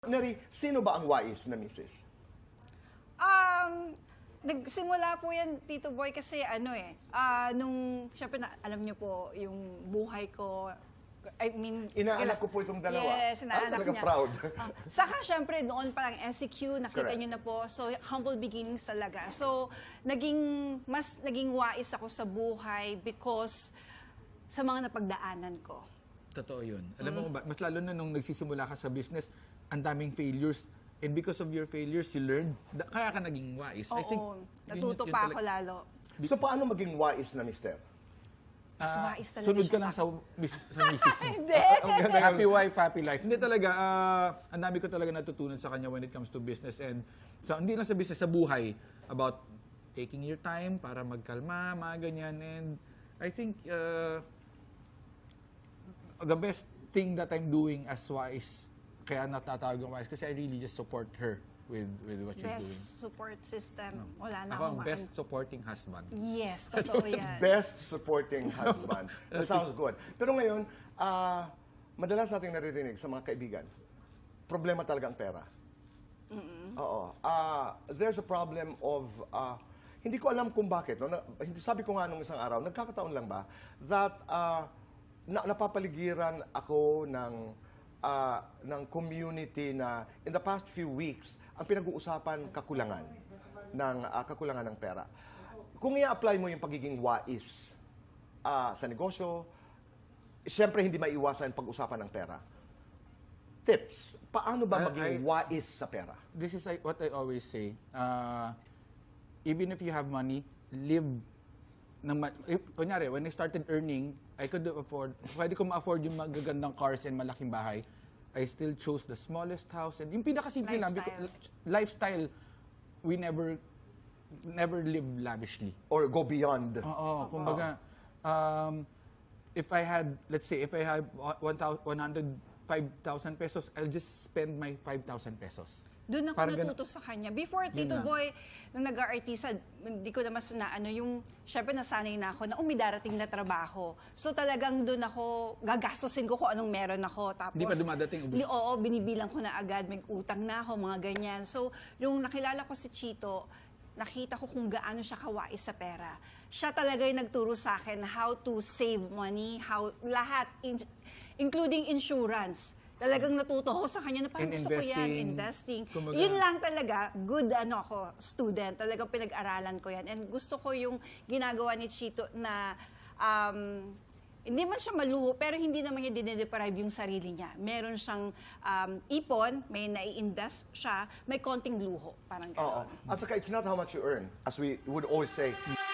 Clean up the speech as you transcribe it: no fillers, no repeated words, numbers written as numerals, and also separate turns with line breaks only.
Neri, sino ba ang wais na misis?
Nagsimula po yan, Tito Boy, kasi syempre alam niyo po, yung buhay ko,
Inaanak ko po itong dalawa.
Yes, inaanak
talaga
niya.
proud.
Saka syempre, noon parang NCQ, nakita
Correct.
niyo na po. So, humble beginnings talaga. So, mas naging wais ako sa buhay because sa mga napagdaanan ko.
Totoo yun. Alam mo kung ba, mas lalo na nung nagsisimula ka sa business, ang daming failures. And because of your failures, you learned. Kaya ka naging wise. I think,
Oo, natuto pa ako lalo.
So paano maging wais na mister?
Mas wais talaga
sunod
siya
ka lang sa misis mo.
Hindi.
Happy wife, happy life. Hindi talaga, ang dami ko talaga natutunan sa kanya when it comes to business. And so, hindi lang sa business, sa buhay. About taking your time para magkalma, mga ganyan. And I think, the best thing that I'm doing as wise, kaya natatawag ng wise, kasi I really just support her with what she's doing.
Best support system. Wala na
Ako ang
akong
best supporting husband.
Yes, totoo yan.
Best supporting husband. That sounds good. Pero ngayon, madalas nating naririnig sa mga kaibigan, problema talaga ang pera. Oo. There's a problem of, hindi ko alam kung bakit. No? Sabi ko nga nung isang araw, nagkakataon lang ba, that napapaligiran ako ng community na in the past few weeks, ang pinag-uusapan kakulangan ng pera. Kung i-apply mo yung pagiging wais sa negosyo, siyempre hindi maiiwasan ang pag-usapan ng pera. Tips, paano ba maging wais sa pera?
This is what I always say. Even if you have money, live kunyari, when I started earning, I could afford, pwede ko ma-afford yung magagandang cars and malaking bahay. I still chose the smallest house and yung pinakasimple lang, lifestyle, we never live lavishly.
Or go beyond?
Oo, kumbaga, if I had 105,000 pesos, I'll just spend my 5,000 pesos.
Doon ako
Parang
natuto sa kanya. Before, Tito Boy, nung nag-artista, hindi ko na mas syempre nasanay na ako na umidarating na trabaho. So talagang doon ako, gagastosin ko kung anong meron ako. Tapos,
Hindi pa dumadating ubos.
Oo, binibilang ko na agad, may utang na ako, mga ganyan. So, yung nakilala ko si Chito, nakita ko kung gaano siya kawais sa pera. Siya talaga yung nagturo sa akin how to save money, lahat, including insurance. Talagang natuto ko sa kanya na parang gusto ko yan, investing.
Kumbaga,
Yun lang talaga, good ako, student. Talagang pinag-aralan ko yan. And gusto ko yung ginagawa ni Chito na hindi man siya maluho, pero hindi naman niya dinedeprive yung sarili niya. Meron siyang ipon, may nai-invest siya, may konting luho. Parang
Oo.
gano'n.
At saka, it's not how much you earn, as we would always say.